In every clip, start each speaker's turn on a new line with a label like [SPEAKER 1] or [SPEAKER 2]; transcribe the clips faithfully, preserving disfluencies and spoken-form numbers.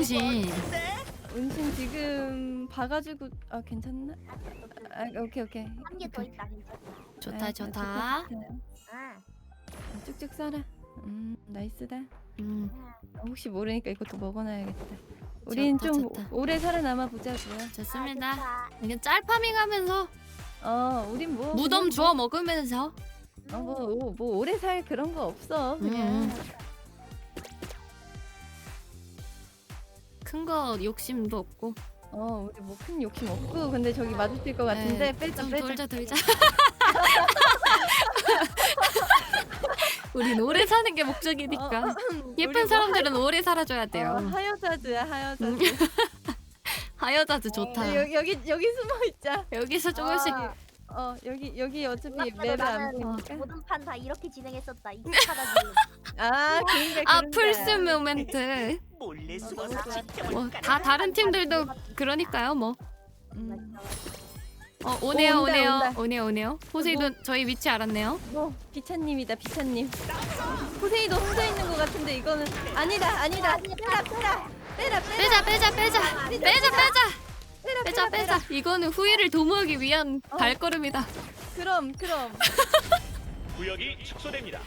[SPEAKER 1] 은신.
[SPEAKER 2] 은신 지금 봐가지고 아 괜찮나? 아 오케이 오케이.
[SPEAKER 3] 한 개 더 있다. 괜찮다.
[SPEAKER 1] 좋다
[SPEAKER 2] 아,
[SPEAKER 1] 좋다.
[SPEAKER 2] 좋다.
[SPEAKER 3] 아,
[SPEAKER 2] 쭉쭉 써라. 음 나이스다.
[SPEAKER 1] 음
[SPEAKER 2] 어, 혹시 모르니까 이것도 먹어놔야겠다. 우린
[SPEAKER 1] 좋다,
[SPEAKER 2] 좀
[SPEAKER 1] 좋다.
[SPEAKER 2] 오래 살아남아 보자고요.
[SPEAKER 1] 좋습니다.
[SPEAKER 3] 좋다.
[SPEAKER 1] 이게 짤파밍하면서
[SPEAKER 2] 어 우린 뭐
[SPEAKER 1] 무덤
[SPEAKER 2] 그냥
[SPEAKER 1] 주워 먹으면서.
[SPEAKER 2] 뭐, 어, 뭐, 뭐 오래 살 그런 거 없어 그냥.
[SPEAKER 1] 음. 큰 거 욕심도 없고.
[SPEAKER 2] 어 우리 뭐 큰 욕심 없고 근데 저기 마주칠 것 같은데
[SPEAKER 1] 네,
[SPEAKER 2] 빼자
[SPEAKER 1] 좀
[SPEAKER 2] 빼자.
[SPEAKER 1] 돌자 돌자. 우린 오래 사는 게 목적이니까.
[SPEAKER 2] 어,
[SPEAKER 1] 예쁜
[SPEAKER 2] 우리 뭐
[SPEAKER 1] 사람들은 오래 살아줘야
[SPEAKER 2] 하,
[SPEAKER 1] 돼요.
[SPEAKER 2] 어, 하여자즈야 하여자즈.
[SPEAKER 1] 음. 하여자즈 좋다.
[SPEAKER 2] 여기 여기 여기 숨어 있자.
[SPEAKER 1] 여기서 조금씩.
[SPEAKER 3] 아,
[SPEAKER 2] 어 여기 여기 어차피
[SPEAKER 3] 생각보다
[SPEAKER 2] 맵을 안
[SPEAKER 3] 나는
[SPEAKER 2] 보니까.
[SPEAKER 3] 모든 판 다 이렇게 진행했었다. 익숙하다 지금.
[SPEAKER 2] 아 그런데
[SPEAKER 1] 아
[SPEAKER 2] 그런데.
[SPEAKER 1] 플스 모멘트.
[SPEAKER 4] 몰래
[SPEAKER 2] 너무
[SPEAKER 4] 숨어서
[SPEAKER 2] 좋아.
[SPEAKER 4] 지켜볼
[SPEAKER 1] 뭐
[SPEAKER 4] 까나?
[SPEAKER 1] 다 다른 팀들도 그러니까요 뭐.
[SPEAKER 2] 음,
[SPEAKER 1] 어 오네요
[SPEAKER 2] 온다,
[SPEAKER 1] 오네요
[SPEAKER 2] 온다.
[SPEAKER 1] 오네요 오네요. 포세이돈 저희 위치 알았네요.
[SPEAKER 2] 뭐 비차님이다 비차님. 포세이도 혼자 있는 것 같은데 이거는 아니다 아니다. 빼라 빼라 빼라 빼라
[SPEAKER 1] 빼자 빼자 빼자 빼자 빼자
[SPEAKER 2] 빼라
[SPEAKER 1] 빼자 빼자. 이거는 후회를 도모하기 위한
[SPEAKER 2] 어.
[SPEAKER 1] 발걸음이다.
[SPEAKER 2] 그럼 그럼.
[SPEAKER 4] 구역이 축소됩니다.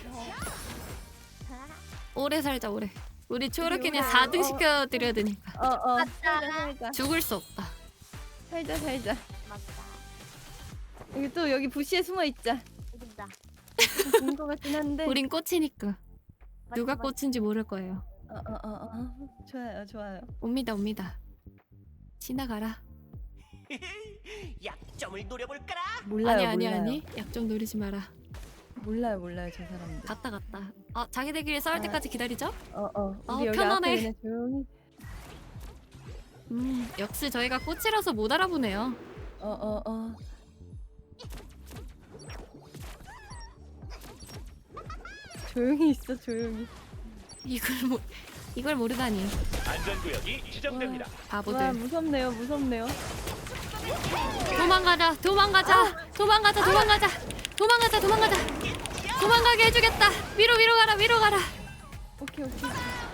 [SPEAKER 1] 오래 살자 오래. 우리 초록이는
[SPEAKER 2] 오래.
[SPEAKER 1] 사 등
[SPEAKER 2] 어.
[SPEAKER 1] 시켜드려야 되니까.
[SPEAKER 2] 어어
[SPEAKER 3] 맞다.
[SPEAKER 2] 살자 살자
[SPEAKER 1] 죽을 수 없다.
[SPEAKER 2] 살자 살자.
[SPEAKER 3] 맞다.
[SPEAKER 2] 여기 또 여기 부시에 숨어 있자.
[SPEAKER 3] 여기다.
[SPEAKER 2] 좋은 것 같긴 한데.
[SPEAKER 1] 우린 꽃이니까 누가
[SPEAKER 3] 맞다, 맞다.
[SPEAKER 1] 꽃인지 모를 거예요.
[SPEAKER 2] 어어어 어, 어. 좋아요 좋아요.
[SPEAKER 1] 옵니다 옵니다. 지나가라.
[SPEAKER 4] 약점을 노려볼까라.
[SPEAKER 2] 몰라요
[SPEAKER 1] 아니 아니
[SPEAKER 2] 몰라요.
[SPEAKER 1] 아니. 약 좀 노리지 마라.
[SPEAKER 2] 몰라요 몰라요 저 사람들.
[SPEAKER 1] 갔다 갔다. 아 자기들끼리 싸울
[SPEAKER 2] 아.
[SPEAKER 1] 때까지 기다리죠?
[SPEAKER 2] 어어
[SPEAKER 1] 아,
[SPEAKER 2] 우리 여기
[SPEAKER 1] 편하네.
[SPEAKER 2] 앞에 그냥 조용히.
[SPEAKER 1] 음 역시 저희가 꽃이라서 못 알아보네요.
[SPEAKER 2] 어어 어. 조용히 있어 조용히.
[SPEAKER 1] 이걸 모 이걸 모르다니.
[SPEAKER 4] 안전구역이 지정됩니다.
[SPEAKER 2] 와
[SPEAKER 1] 바보들.
[SPEAKER 2] 무섭네요 무섭네요.
[SPEAKER 1] 도망가자 도망가자 도망가자 도망가자 도망가자 도망가자 도망가게 해주겠다. 위로 위로 가라 위로 가라.
[SPEAKER 2] 오케이 오케이.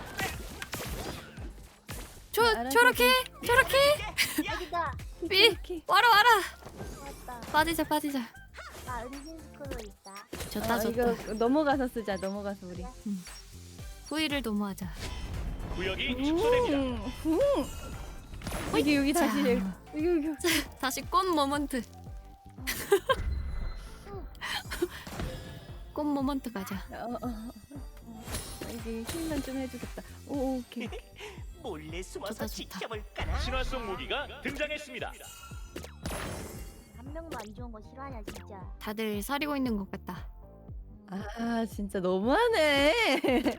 [SPEAKER 1] 조
[SPEAKER 2] 알아서
[SPEAKER 1] 저렇게 저렇게
[SPEAKER 3] 여기다.
[SPEAKER 1] 위
[SPEAKER 2] 이렇게.
[SPEAKER 1] 와라 와라.
[SPEAKER 3] 맞다.
[SPEAKER 1] 빠지자 빠지자.
[SPEAKER 3] 아, 은신 스크롤 있다.
[SPEAKER 1] 좋다
[SPEAKER 2] 어,
[SPEAKER 1] 좋다.
[SPEAKER 2] 이거 넘어가서 쓰자 넘어가서 우리.
[SPEAKER 1] 후위를 도모하자.
[SPEAKER 4] 구역이 축소됩니다.
[SPEAKER 2] 음, 음. 여기 여기
[SPEAKER 1] 자.
[SPEAKER 2] 다시 여기 여기 여기.
[SPEAKER 1] 다시 꽃 모먼트. 꽃 모먼트 가자.
[SPEAKER 2] 어, 어, 어. 여기 힘만 좀 해주겠다. 오 오케이. 오케이.
[SPEAKER 4] 몰래 숨어서
[SPEAKER 1] 좋다, 좋다.
[SPEAKER 4] 지켜볼까나. 신화 속 무기가 등장했습니다.
[SPEAKER 3] 한 명도 안 좋은 거 싫어하냐 진짜.
[SPEAKER 1] 다들 사리고 있는 것 같다.
[SPEAKER 2] 아 진짜 너무하네.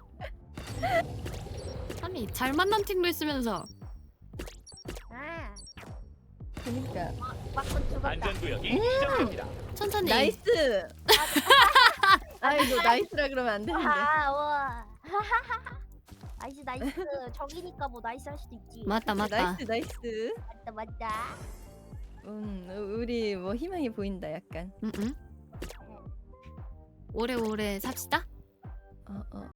[SPEAKER 1] 아니 잘 만난 팀도 있으면서
[SPEAKER 3] 아,
[SPEAKER 2] 그러니까
[SPEAKER 3] 막건 죽었다.
[SPEAKER 4] 안전구역이 지정됩니다.
[SPEAKER 1] 천천히.
[SPEAKER 2] 나이스. 아이고 나이스라 그러면 안 되는데.
[SPEAKER 3] 아, 와. 나이스 나이스. 적이니까 뭐 나이스 할 수도 있지.
[SPEAKER 1] 맞다 맞다.
[SPEAKER 2] 나이스 나이스.
[SPEAKER 3] 맞다 맞다.
[SPEAKER 2] 음 우리 뭐 희망이 보인다 약간.
[SPEAKER 1] 응응. 오래오래 삽시다.
[SPEAKER 2] 어 어.